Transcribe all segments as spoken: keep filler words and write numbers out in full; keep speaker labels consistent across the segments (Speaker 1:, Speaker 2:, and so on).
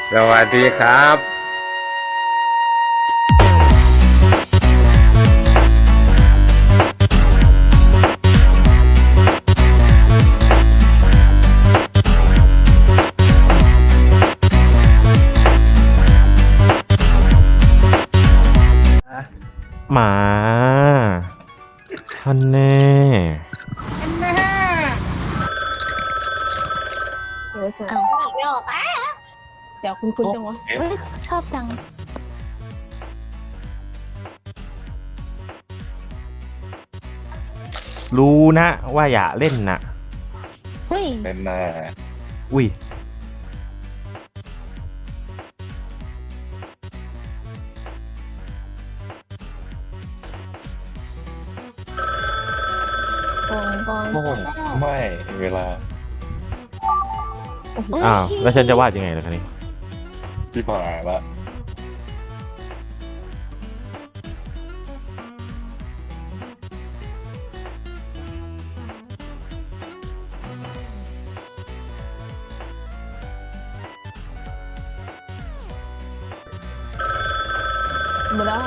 Speaker 1: สวัสดีครับ
Speaker 2: หมาท่านแน่
Speaker 3: เดี๋ยวสวย
Speaker 4: อ้าวไม่ออกอ่ะ
Speaker 3: เดี๋ยวคุณคุณจังวะ
Speaker 4: เฮ้ยชอบจัง
Speaker 2: รู้นะว่าอย่าเล่นนะ
Speaker 4: เฮ้ย
Speaker 5: เป็นหน้า
Speaker 2: อุ้ย
Speaker 3: กองกอง
Speaker 5: โอ้ไม่เวลา
Speaker 4: เฮ้ย
Speaker 2: อ้าวแล้วฉันจะวาดยังไงล่ะคะนี่
Speaker 5: ที่ผ่านละ
Speaker 3: หมดแล้ว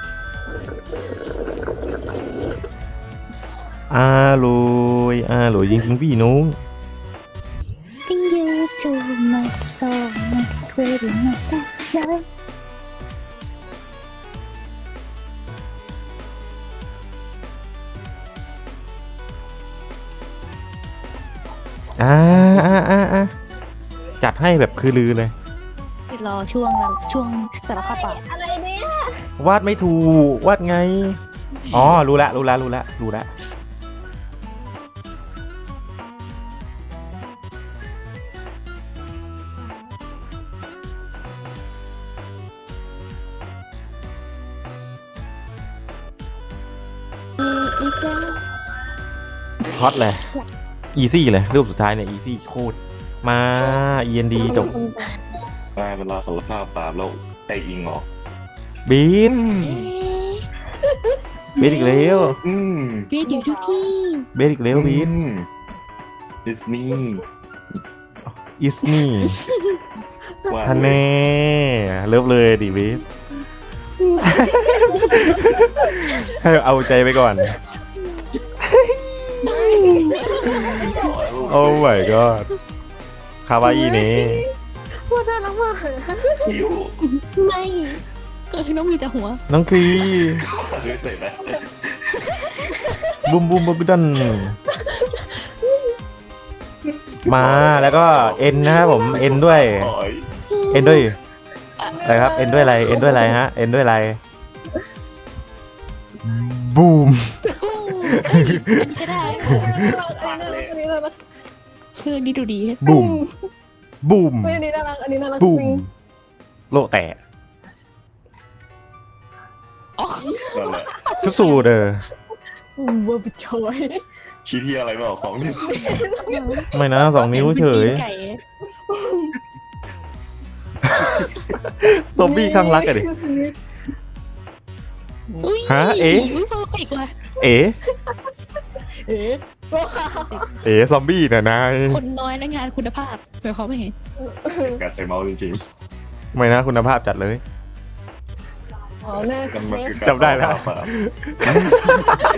Speaker 2: อาลุยอาลุยจริงๆพี่นุ้ง
Speaker 4: พิงยูจูมาโซมาเวรีมาตาได้
Speaker 2: อ่าอ่าอ่าอ่าจัดให้แบบคือลือเลย
Speaker 4: รอช่วงนั้นช่วงสารพัดปาก
Speaker 3: อะไรเนี่ยว
Speaker 2: าดไม่ถูกวาดไง อ๋อ รู้ละรู้ละรู้ละรู้ละ
Speaker 3: อีกแล้ว
Speaker 2: ฮอตเลยอีซี่เลยรูปสุดท้ายเนี่ยอีซี่โคตรมา เอ็นดีจบ
Speaker 5: ได้เวลาสารภาพบาปแล้วไออิงเหรอ
Speaker 2: บีน
Speaker 4: เอ๊ะ
Speaker 2: บีนอีกแล้ว
Speaker 5: อืม
Speaker 4: เรียนอยู่ทุกที่
Speaker 2: บีนอีกแล้วบีน
Speaker 5: ดิสนีย์
Speaker 2: is me
Speaker 5: ว่า
Speaker 2: ท่านแน่เลิฟเลยดิบีนให้เอาใจไปก่อน โอ้ my god คาวาอีนี่
Speaker 3: พูดน่ารักมาก
Speaker 5: คิ้ว
Speaker 4: ไม่ก็คือน้องมีแต่หัว
Speaker 2: น้องคลี
Speaker 5: เรื่อยเสร็จแล้ว
Speaker 2: บุมบุมบุมดันมาแล้วก็เอ็นนะครับผมเอ็นด้วย
Speaker 5: ต่อย
Speaker 2: เอ็นด้วยอะไรครับเอ็นด้วยอะไรเอ็นด้วยอะไรฮะเอ็นด้วยอะไรบูม
Speaker 4: โอ้เอ้ยอันนี้ใช่ได้
Speaker 3: อันนี้น่ารัก
Speaker 4: คือนี่ดูดี
Speaker 2: บูมบูม
Speaker 3: อันนี้น่ารักอันนี้น่ารัก
Speaker 2: บูมโลแตก
Speaker 4: อ๋อ
Speaker 5: นั่นแหละ
Speaker 2: ทุสูเด้อ
Speaker 3: เวอร์บิชอย
Speaker 5: ชี้ที่อะไรไม่ออกสองนิ้ว
Speaker 2: ไม่นะสองนิ้วเฉย
Speaker 4: ไก่
Speaker 2: ซอมบี้ข้างรักอะดิ
Speaker 4: อุ้ย
Speaker 2: ฮะเอ๊ะ
Speaker 4: อุ้ยเพอร์เฟกต์ว่ะ
Speaker 2: เอ๋
Speaker 3: เอ๊ะ
Speaker 2: เอ๋ซอมบี้น่ะนาย
Speaker 4: คนน้อยและงานคุณภาพหมายความว่าไง
Speaker 5: การใช้เมาส์จริง
Speaker 2: ไม่นะคุณภาพจัดเลย
Speaker 3: อ๋อแน่
Speaker 5: ๆมันมันคือการ
Speaker 2: จำได้แล้ว
Speaker 5: สารภาพ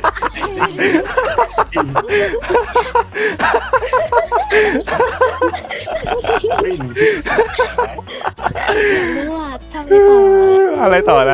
Speaker 5: ปิ้นชิ้นสุดท้าย
Speaker 4: รู้ว่าทำไม่ต่อ
Speaker 2: อะไรต่อนะ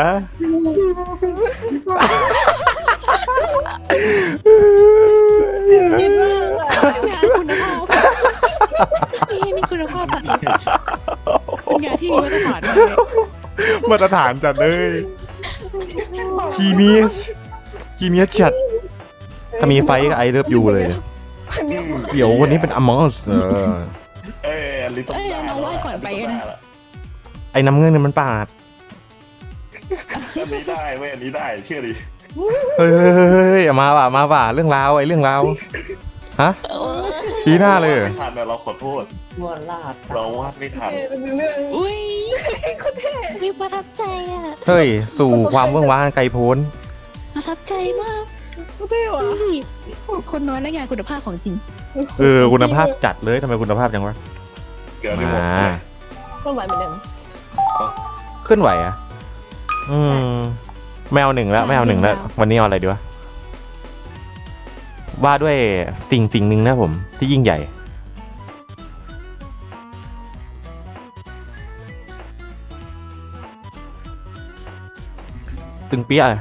Speaker 3: คิดมากอะ
Speaker 4: งานคุณภาพนี่มีคุณภาพจัดเป็นงานที่มีมาตรฐานมากเลย
Speaker 2: มาตรฐานจัดเลยคีเนียสคีเนียสจัดถ้ามีไฟก็ไอเลิฟยูเลย เดี๋ยววันนี้เป็นอมอสเออ
Speaker 5: เอ้ยอันนี้ต้อง
Speaker 4: เอ้ย
Speaker 5: ได้
Speaker 4: เราไหว้ก่อนไปนะ
Speaker 2: ไอ้น้ำเงินเนี่ยมันปาด
Speaker 5: อันนี้ได้เว้ยอันนี้ได้เชื่อดิ
Speaker 2: เฮ้ยเอามาว่ะมาว่ะเรื่องราวไอ้เรื่องราวฮะชี้หน้าเลยเหรอ
Speaker 5: ไม่ทันนะเราขอโทษเราวาดไม่ทัน
Speaker 3: เป็นเรื่อง
Speaker 4: อุ้ยมีประทับใจอ่ะ
Speaker 2: เฮ้ยสู่ความเบื้องว้างไกลโพ้น
Speaker 4: ประทับใจมาก
Speaker 3: ก็เท่ว่ะ
Speaker 4: อุ้ยคนน้อยและงานคุณภาพของจริง
Speaker 2: เออคุณภาพจัดเลยทำไมคุณภาพจังวะ
Speaker 5: เกิดไม่หมด
Speaker 2: มา
Speaker 3: ก็หมายเหมือนเดิม
Speaker 2: เคลื่อนไหวอ่ะ อืมไม่เอาหนึ่งแล้วไม่เอาหนึ่งแล้ว วันนี้เอาอะไรดีวะว่าด้วยสิ่งสิ่งหนึ่งนะผมที่ยิ่งใหญ่ ตึงเปี้ยเลย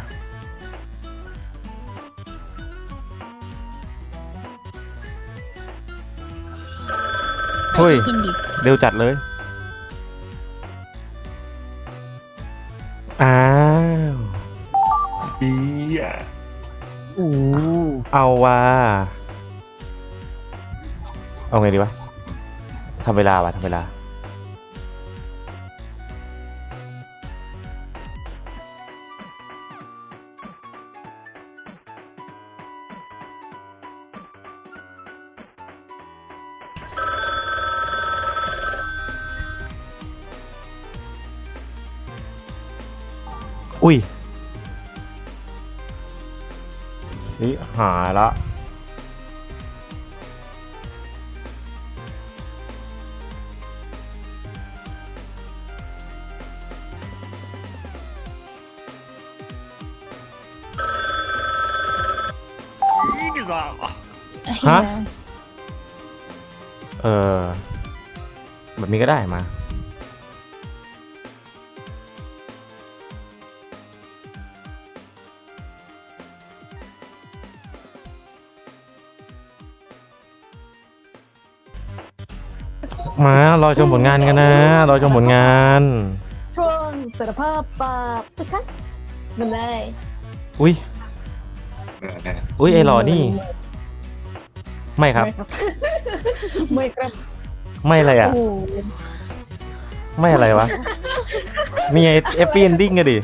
Speaker 2: เฮ้ย
Speaker 4: กินดิ
Speaker 2: เร็วจัดเลย อ้าว
Speaker 5: อีอ่ะ
Speaker 1: โอ้
Speaker 2: เอาว่าเอาไงดีวะทำเวลาวะทำเวลา อุ้ยนี่หายละ ฮะ เออ แบบนี้ก็ได้มา มารอชมผลงานกันนะ รอชมผลงาน
Speaker 3: ช่วงสารภาพบาปนะคะมันได้
Speaker 2: อุ้ย อุ้ยไอ้หล่อนี่ ไม่ครับ
Speaker 3: ไม่ครับ
Speaker 2: ไม่อะไรอ่ะ
Speaker 3: โอ้
Speaker 2: ไม่อะไรวะ มีไอเอฟปี้เอนดิ้งอะดิ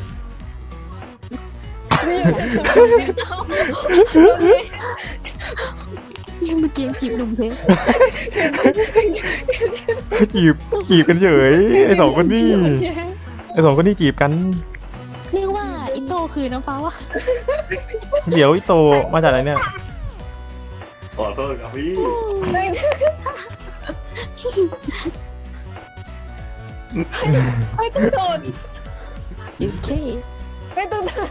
Speaker 4: เมื่อกี้จีบหนุ่มเพื่อน
Speaker 2: จีบจีบกันเฉย ไอสองคนนี้ ไอสองคนนี้จีบกัน
Speaker 4: นึกว่าอิโต้คือน้ำฟ้าว่ะ
Speaker 2: เดี๋ยวไอโตมาจากไหนเนี่ย
Speaker 5: ขอโทษครับพี่
Speaker 3: ไม่ต้องโดน
Speaker 4: โอเค
Speaker 3: ไม่ต้องโดน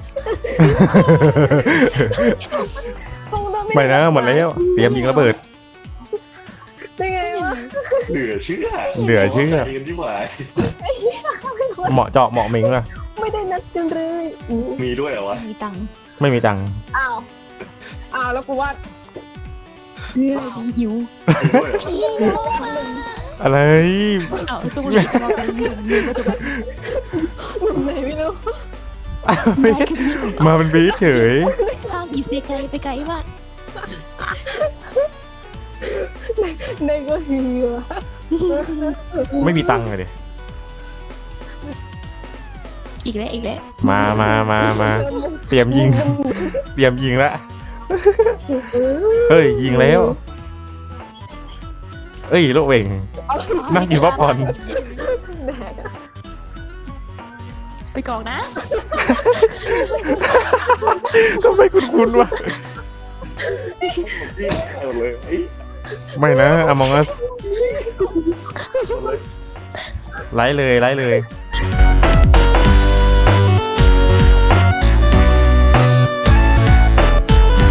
Speaker 3: คงต้อง
Speaker 2: ไม่นะหมดแล้ว เตรียมยิงระเบิด
Speaker 3: ได้ไงวะ
Speaker 5: เหลือเชื่อ
Speaker 2: เหลือเชื่อ
Speaker 5: ใจกันที่หวาย
Speaker 2: เหมาะเจาะเหมาะมิงอะ
Speaker 3: ไม่ได้นัดกันเลยอู้
Speaker 5: มีด้วยเหรอวะ
Speaker 4: มีตังค์
Speaker 2: ไม่มีตังค์
Speaker 3: อ้าวอ้าวแล้วกูว่า
Speaker 4: เงื่อดีหิว
Speaker 5: มีด้วยเหรอวะ
Speaker 4: พี่น้องมา
Speaker 2: อะไร
Speaker 4: เอาตัวนี้จะมาเป็นเงินเงินปัจจุบัน
Speaker 3: มึงไหนไม่รู้
Speaker 2: ไม่มาเป็นบีทเฉย
Speaker 4: ข้ามอีเซไกไปไกลมาก
Speaker 3: ในก็ฮีวะ
Speaker 2: ไม่มีตังค์เลยดิ
Speaker 4: อีกแล้วอีกแล้ว
Speaker 2: มามามามาเตรียมยิง เตรียมยิงละเฮ้ย ยิงแล้ว เอ้ยโลกเวงนั่งกินป๊อปคอร์น
Speaker 3: แดกอะ
Speaker 4: ไปกองนะ
Speaker 2: ทำไมคุณคุณวะ
Speaker 5: พี่ได้หมดเลยไอ้
Speaker 2: ไม่นะ Among Us ไลฟ์เลยไลฟ์เลย
Speaker 5: ไ